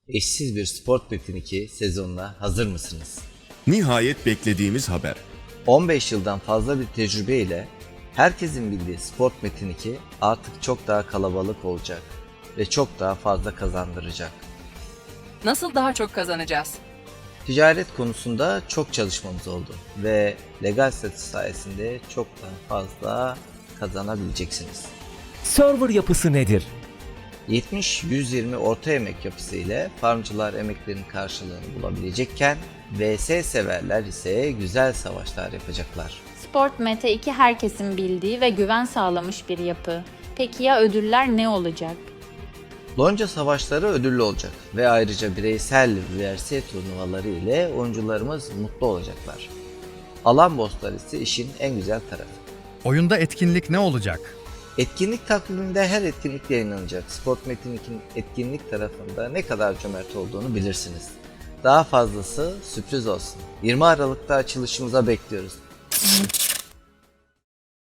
Eşsiz bir Sport Metin 2 sezonuna hazır mısınız? Nihayet beklediğimiz haber. 15 yıldan fazla bir tecrübe ile herkesin bildiği Sport Metin 2 artık çok daha kalabalık olacak ve çok daha fazla kazandıracak. Nasıl daha çok kazanacağız? Ticaret konusunda çok çalışmamız oldu ve legal statü sayesinde çok daha fazla kazanabileceksiniz. Server yapısı nedir? 70-120 orta emek yapısı ile farmcılar emeklerinin karşılığını bulabilecekken VS severler ise güzel savaşlar yapacaklar. Sport Mete 2 herkesin bildiği ve güven sağlamış bir yapı. Peki ya ödüller ne olacak? Lonca savaşları ödüllü olacak ve ayrıca bireysel VRS turnuvaları ile oyuncularımız mutlu olacaklar. Alan bosslar ise işin en güzel tarafı. Oyunda etkinlik ne olacak? Etkinlik takviminde her etkinlik yayınlanacak. Sport Metin 2'nin etkinlik tarafında ne kadar cömert olduğunu bilirsiniz. Daha fazlası sürpriz olsun. 20 Aralık'ta açılışımıza bekliyoruz.